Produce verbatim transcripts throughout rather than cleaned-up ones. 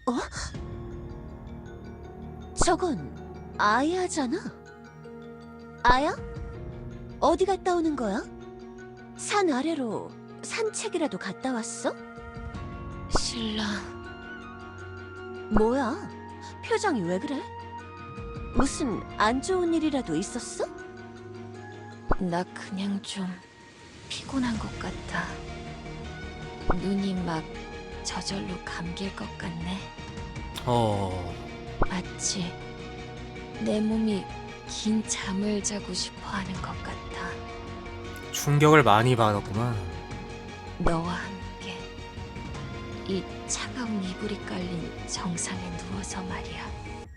어? 저건 아야잖아. 아야? 어디 갔다 오는 거야? 산 아래로 산책이라도 갔다 왔어? 신라, 뭐야? 표정이 왜 그래? 무슨 안 좋은 일이라도 있었어? 나 그냥 좀 피곤한 것 같아. 눈이 막 저절로 감길 것 같네. 어... 마치 내 몸이 긴 잠을 자고 싶어 하는 것 같아. 충격을 많이 받았구만. 너와 함께 이 차가운 이불이 깔린 정상에 누워서 말이야.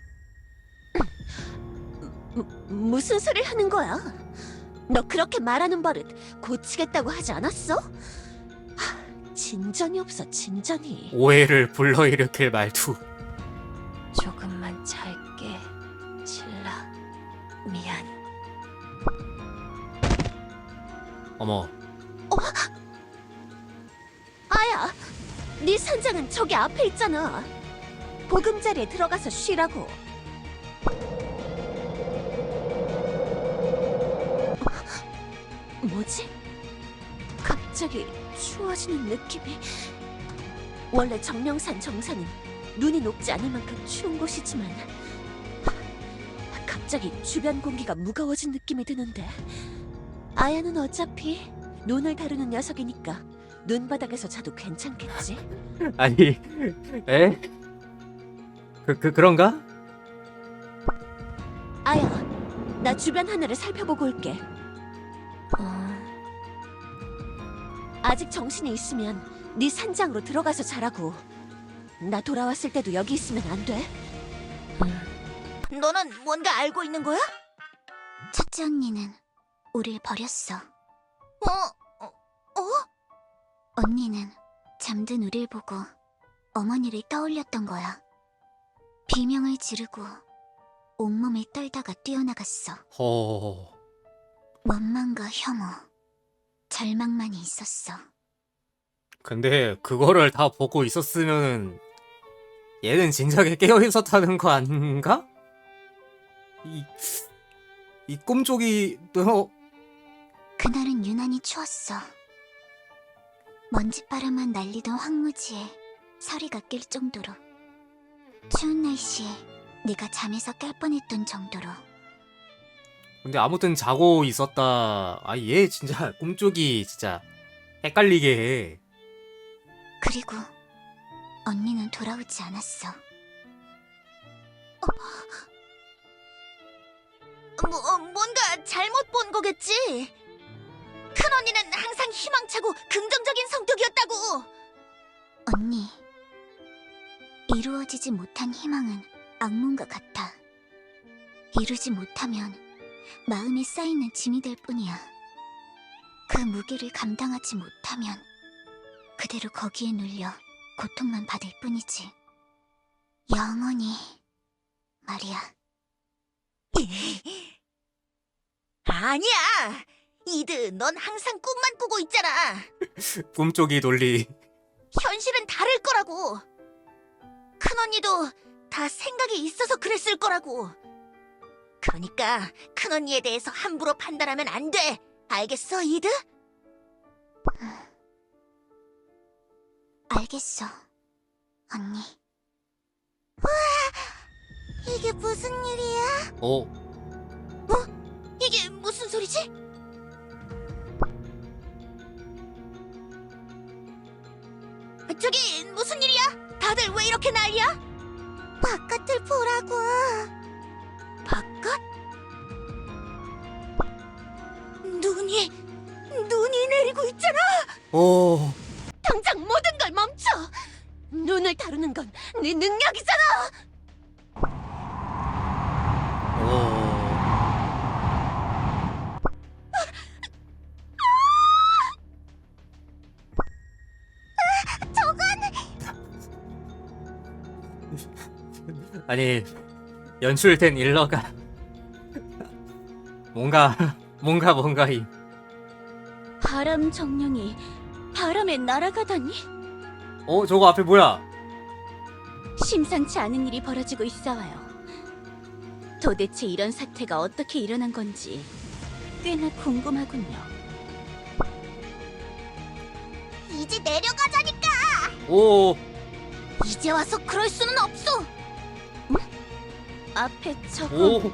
무, 무슨 소리를 하는 거야? 너 그렇게 말하는 버릇 고치겠다고 하지 않았어? 하, 진전이 없어, 진전이. 오해를 불러일으킬 말투. 조금만 잘게, 신라. 미안. 어머, 아야, 네 산장은 저기 앞에 있잖아. 보금자리에 들어가서 쉬라고. 뭐지? 갑자기 추워지는 느낌이. 원래 정령산 정상은 눈이 녹지 않을 만큼 추운 곳이지만 갑자기 주변 공기가 무거워진 느낌이 드는데. 아야는 어차피 눈을 다루는 녀석이니까 눈바닥에서 자도 괜찮겠지? 아니, 에? 그, 그, 그런가? 아야, 나 주변 하늘을 살펴보고 올게. 어, 아직 정신이 있으면 네 산장으로 들어가서 자라고. 나 돌아왔을 때도 여기 있으면 안 돼. 음, 너는 뭔가 알고 있는 거야? 첫째 언니는 우릴 버렸어. 어? 어? 어? 언니는 잠든 우릴 보고 어머니를 떠올렸던 거야. 비명을 지르고 온몸을 떨다가 뛰어나갔어. 허... 원망과 혐오, 절망만이 있었어. 근데 그거를 다 보고 있었으면 얘는 진작에 깨어 있었다는 거 아닌가? 이... 이 꿈쪽이... 너... 그날은 유난히 추웠어. 먼지바람만 날리던 황무지에 서리가 낄 정도로. 추운 날씨에 내가 잠에서 깰 뻔했던 정도로. 근데 아무튼 자고 있었다. 아, 얘 진짜 꿈쪽이 진짜 헷갈리게 해. 그리고 언니는 돌아오지 않았어. 뭐, 뭔가 잘못 본 거겠지? 큰 언니는 항상 희망차고 긍정적인 성격이었다고! 언니, 이루어지지 못한 희망은 악몽과 같아. 이루지 못하면 마음에 쌓이는 짐이 될 뿐이야. 그 무게를 감당하지 못하면 그대로 거기에 눌려 고통만 받을 뿐이지. 영원히 말이야. 아니야! 이드, 넌 항상 꿈만 꾸고 있잖아! 꿈쪽이 논리. 현실은 다를 거라고! 큰 언니도 다 생각이 있어서 그랬을 거라고! 그러니까 큰 언니에 대해서 함부로 판단하면 안 돼! 알겠어, 이드? 알겠어, 언니. 이게 무슨 일이야? 어? 이게 무슨 소리지? 저기 무슨 일이야? 다들 왜 이렇게 난리야? 바깥을 보라고. 바깥? 눈이 눈이 내리고 있잖아. 어... 당장 모든 걸 멈춰. 눈을 다루는 건 네 능력이잖아. 어... 아니, 연출된 일러가 뭔가 뭔가 뭔가 이 바람 정령이 바람에 날아가다니? 어, 저거 앞에 뭐야? 심상치 않은 일이 벌어지고 있어요. 도대체 이런 사태가 어떻게 일어난 건지 꽤나 궁금하군요. 이제 내려가자니까. 오, 이제 와서 그럴 수는 없어. 앞에 저거 오,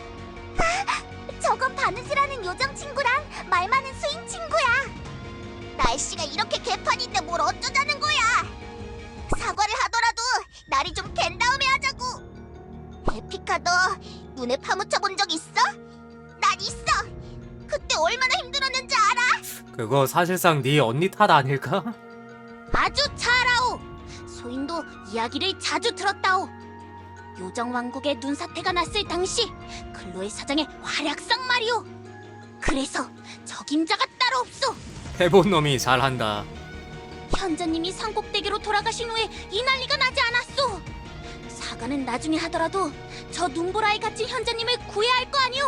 저건 바느질하는 요정 친구랑 말 많은 스윙 친구야. 날씨가 이렇게 개판인데 뭘 어쩌자는 거야. 사과를 하더라도 날이 좀 갠 다음에 하자고. 에피카, 너 눈에 파묻혀 본 적 있어? 난 있어. 그때 얼마나 힘들었는지 알아? 그거 사실상 네 언니 탓 아닐까? 아주 잘아오. 소인도 이야기를 자주 들었다오. 요정 왕국에 눈사태가 났을 당시 클로에 사장의 활약상 말이오. 그래서 적임자가 따로 없어. 해본 놈이 잘한다. 현자님이 산꼭대기로 돌아가신 후에 이 난리가 나지 않았소. 사과는 나중에 하더라도 저 눈보라에 갇힌 현자님을 구해야 할 거 아니오.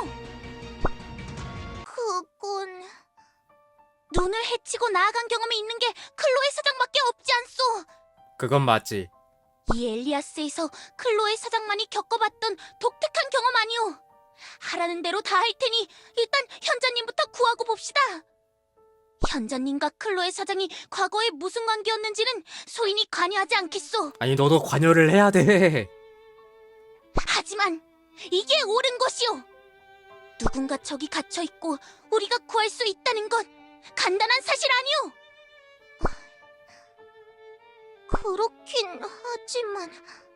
그건... 눈을 해치고 나아간 경험이 있는 게 클로에 사장밖에 없지 않소. 그건 맞지. 이 엘리아스에서 클로에 사장만이 겪어봤던 독특한 경험 아니오. 하라는 대로 다 할 테니 일단 현자님부터 구하고 봅시다. 현자님과 클로에 사장이 과거에 무슨 관계였는지는 소인이 관여하지 않겠소. 아니 너도 관여를 해야 돼. 하지만 이게 옳은 것이오. 누군가 저기 갇혀있고 우리가 구할 수 있다는 건 간단한 사실 아니오. 그렇긴 하지만...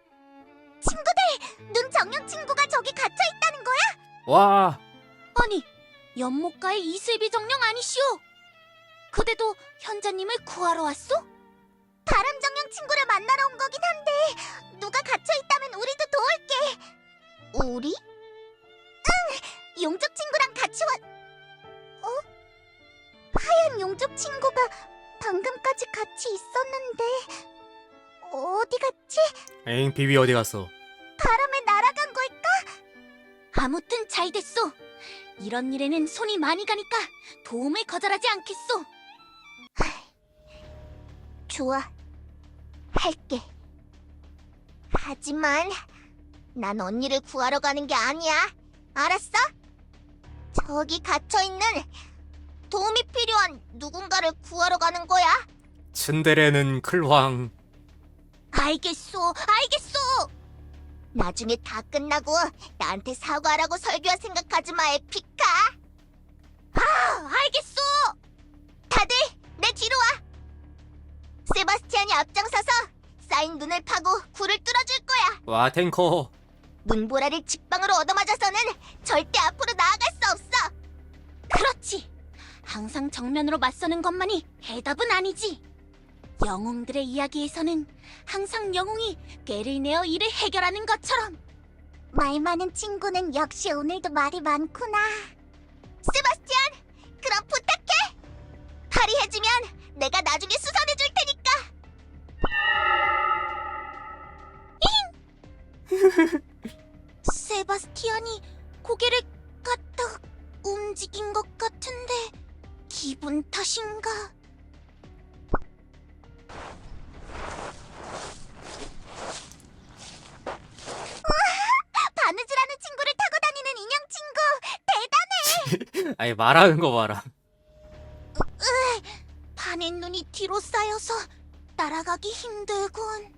친구들! 눈 정령 친구가 저기 갇혀있다는 거야? 와, 아니, 연못가의 이슬비 정령 아니시오? 그대도 현자님을 구하러 왔소? 다람 정령 친구를 만나러 온 거긴 한데 누가 갇혀있다면 우리도 도울게. 우리? 응! 용족 친구랑 같이 왔... 어? 하얀 용족 친구가 방금까지 같이 있었는데... 어디 갔지? 엥 비비 어디 갔어? 바람에 날아간 걸까? 아무튼 잘 됐소. 이런 일에는 손이 많이 가니까 도움을 거절하지 않겠소. 좋아, 할게. 하지만 난 언니를 구하러 가는 게 아니야. 알았어? 저기 갇혀있는 도움이 필요한 누군가를 구하러 가는 거야. 츤데레는 클황. 알겠소, 알겠소. 나중에 다 끝나고 나한테 사과하라고 설교할 생각하지 마, 에피카. 아, 알겠소. 다들 내 뒤로 와. 세바스티안이 앞장서서 쌓인 눈을 파고 굴을 뚫어줄 거야. 와 탱커. 눈보라를 직방으로 얻어맞아서는 절대 앞으로 나아갈 수 없어. 그렇지. 항상 정면으로 맞서는 것만이 해답은 아니지. 영웅들의 이야기에서는 항상 영웅이 꾀를 내어 일을 해결하는 것처럼. 말 많은 친구는 역시 오늘도 말이 많구나. 세바스티안, 그럼 부탁해. 팔이 해지면 내가 나중에 수선해 줄 테니까. 세바스티안이 고개를 까딱 움직인 것 같은데 기분 탓인가? 바느질하는 친구를 타고 다니는 인형 친구 대단해. 아니 말하는 거 봐라. 반의 눈이 뒤로 쌓여서 따라가기 힘들군.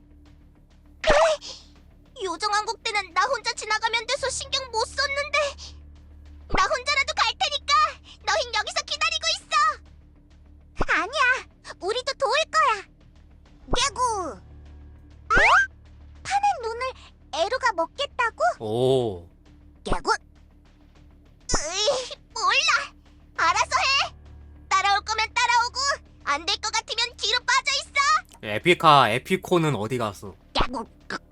요정왕국 때는 나 혼자 지나가면 돼서 신경 못 썼는데 나 혼자라도 갈 테니까 너흰 여기서 기다리고 있어. 아니야, 우리도 도울 거야. 개구. 어? 파는 눈을 에루가 먹겠다고? 오. 개구. 으이, 몰라. 알아서 해. 따라올 거면 따라오고 안 될 것 같으면 뒤로 빠져 있어. 에피카 에피코는 어디 갔어? 개구.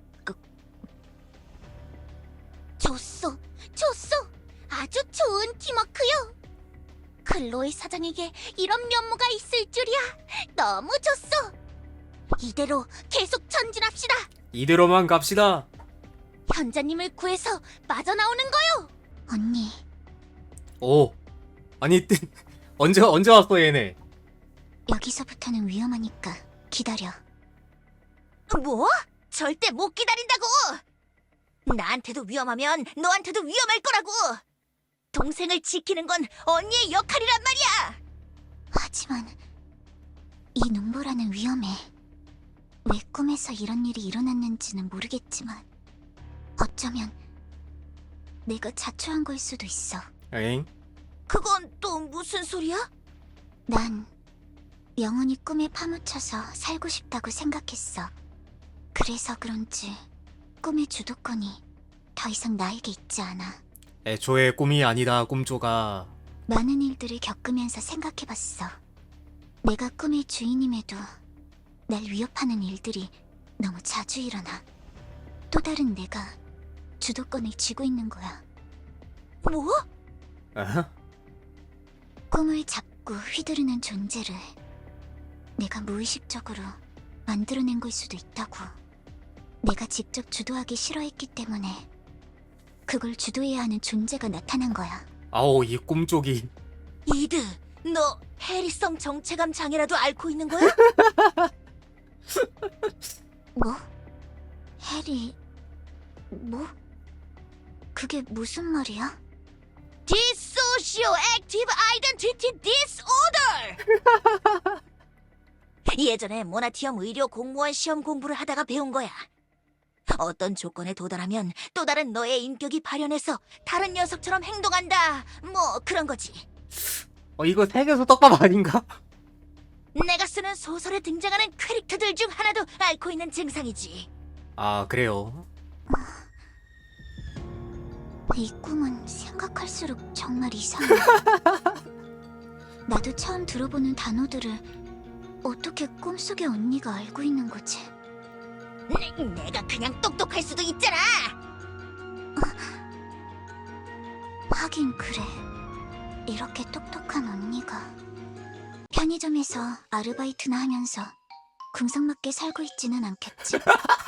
좋소, 좋소. 아주 좋은 팀워크요. 클로이 사장에게 이런 면모가 있을 줄이야. 너무 좋소. 이대로 계속 전진합시다. 이대로만 갑시다. 현자님을 구해서 빠져나오는 거요. 언니, 오. 아니 언제 언제 왔어 얘네? 여기서부터는 위험하니까 기다려. 뭐? 절대 못 기다린다고! 나한테도 위험하면 너한테도 위험할 거라고! 동생을 지키는 건 언니의 역할이란 말이야! 하지만 이 눈보라는 위험해. 왜 꿈에서 이런 일이 일어났는지는 모르겠지만 어쩌면 내가 자초한 걸 수도 있어. 엥? 그건 또 무슨 소리야? 난 영원히 꿈에 파묻혀서 살고 싶다고 생각했어. 그래서 그런지 꿈의 주도권이 더 이상 나에게 있지 않아. 애초에 꿈이 아니다, 꿈조가. 많은 일들을 겪으면서 생각해봤어. 내가 꿈의 주인임에도 날 위협하는 일들이 너무 자주 일어나. 또 다른 내가 주도권을 쥐고 있는 거야. 뭐? 어? 꿈을 잡고 휘두르는 존재를 내가 무의식적으로 만들어낸 걸 수도 있다고. 내가 직접 주도하기 싫어했기 때문에 그걸 주도해야 하는 존재가 나타난 거야. 아오, 이 꿈쪽이. 이드, 너 해리성 정체감 장애라도 앓고 있는 거야? 뭐? 해리... 뭐? 그게 무슨 말이야? Dissociative Identity Disorder! 예전에 모나티엄 의료 공무원 시험 공부를 하다가 배운 거야. 어떤 조건에 도달하면 또 다른 너의 인격이 발현해서 다른 녀석처럼 행동한다. 뭐 그런 거지. 어, 이거 세계에서 떡밥 아닌가? 내가 쓰는 소설에 등장하는 캐릭터들 중 하나도 앓고 있는 증상이지. 아, 그래요. 이 꿈은 생각할수록 정말 이상해. 나도 처음 들어보는 단어들을 어떻게 꿈속의 언니가 알고 있는 거지? 내, 내가 그냥 똑똑할 수도 있잖아. 하긴 그래. 이렇게 똑똑한 언니가 편의점에서 아르바이트나 하면서 궁상맞게 살고 있지는 않겠지?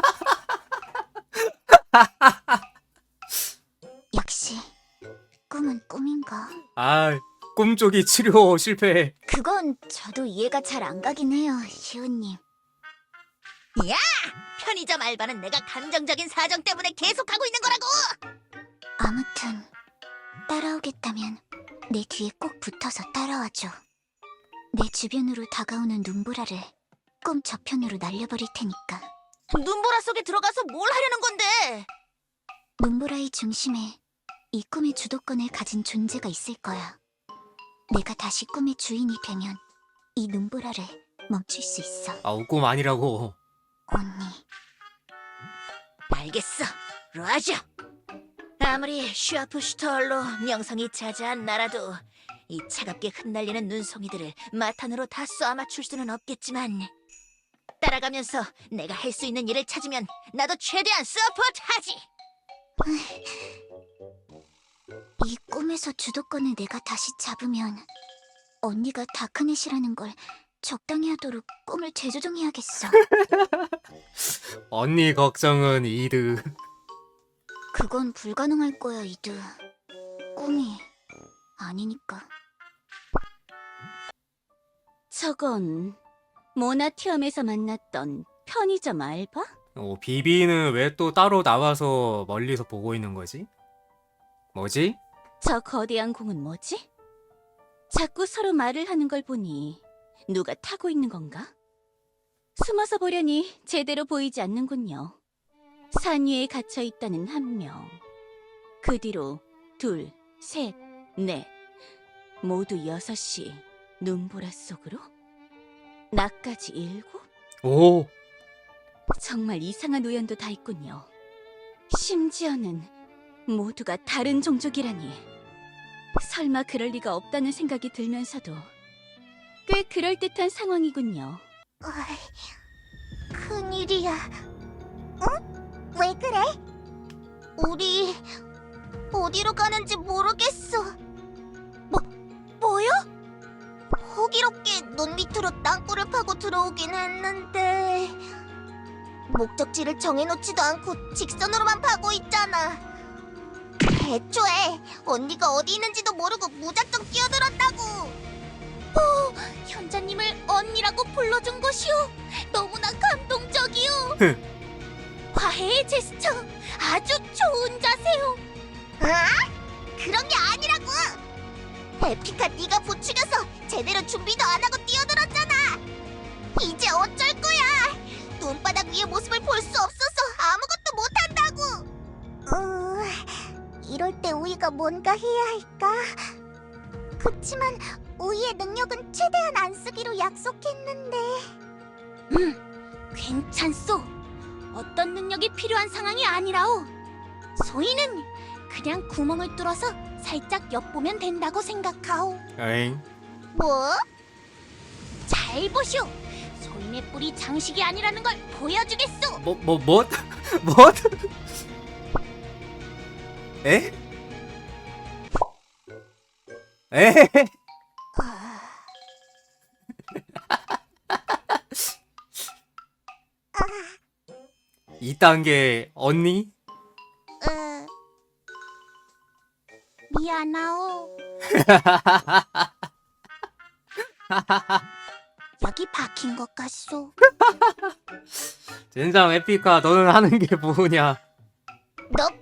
역시 꿈은 꿈인가? 아, 꿈쪽이 치료 실패. 그건 저도 이해가 잘 안 가긴 해요, 시우님. 야! 편의점 알바는 내가 감정적인 사정 때문에 계속하고 있는 거라고! 아무튼 따라오겠다면 내 뒤에 꼭 붙어서 따라와줘. 내 주변으로 다가오는 눈보라를 꿈 저편으로 날려버릴 테니까. 눈보라 속에 들어가서 뭘 하려는 건데? 눈보라의 중심에 이 꿈의 주도권을 가진 존재가 있을 거야. 내가 다시 꿈의 주인이 되면 이 눈보라를 멈출 수 있어. 아우, 꿈 아니라고. 언니. 알겠어, 라자. 아무리 슈아프슈터얼로 명성이 자자한 나라도 이 차갑게 흩날리는 눈송이들을 마탄으로 다 쏘아맞출 수는 없겠지만 따라가면서 내가 할 수 있는 일을 찾으면 나도 최대한 서포트하지. 이 꿈에서 주도권을 내가 다시 잡으면 언니가 다크넷이라는 걸 적당히 하도록 꿈을 재조정해야겠어. 언니 걱정은 이드. 그건 불가능할 거야, 이드. 꿈이 아니니까. 저건 모나티엄에서 만났던 편의점 알바? 어, 비비는 왜 또 따로 나와서 멀리서 보고 있는 거지? 뭐지? 저 거대한 공은 뭐지? 자꾸 서로 말을 하는 걸 보니 누가 타고 있는 건가? 숨어서 보려니 제대로 보이지 않는군요. 산 위에 갇혀 있다는 한 명. 그 뒤로 둘, 셋, 넷. 모두 여섯이 눈보라 속으로? 나까지 일곱? 오, 정말 이상한 우연도 다 있군요. 심지어는 모두가 다른 종족이라니. 설마 그럴 리가 없다는 생각이 들면서도 꽤 그럴듯한 상황이군요. 어이, 큰일이야. 응? 왜 그래? 우리 어디로 가는지 모르겠어. 뭐, 뭐요? 호기롭게 눈 밑으로 땅굴을 파고 들어오긴 했는데 목적지를 정해놓지도 않고 직선으로만 파고 있잖아. 애초에 언니가 어디 있는지도 모르고 무작정 끼어들었다고. 오, 현자님을 언니라고 불러준 것이오. 너무나 감동적이오. 화해의 제스처 아주 좋은 자세요. 그런 게 아니라고! 에피카 네가 부추겨서 제대로 준비도 안 하고 뛰어들었잖아! 이제 어쩔 거야! 눈바닥 위의 모습을 볼 수 없어서 아무것도 못한다고! 어, 이럴 때 우이가 뭔가 해야 할까? 그치만 우이의 능력은 최대한 안 쓰기로 약속했는데. 음, 괜찮소. 어떤 능력이 필요한 상황이 아니라오. 소희는 그냥 구멍을 뚫어서 살짝 엿보면 된다고 생각하오. 에잉. 뭐? 잘 보시오. 소인의 뿔이 장식이 아니라는 걸 보여주겠소. 뭐, 뭐, 뭐? 뭐? 에? 에? 이 단계 언니? 으... 미안하오. 여기 박힌 것 같소. 젠장 에피카 너는 하는 게 뭐냐? 너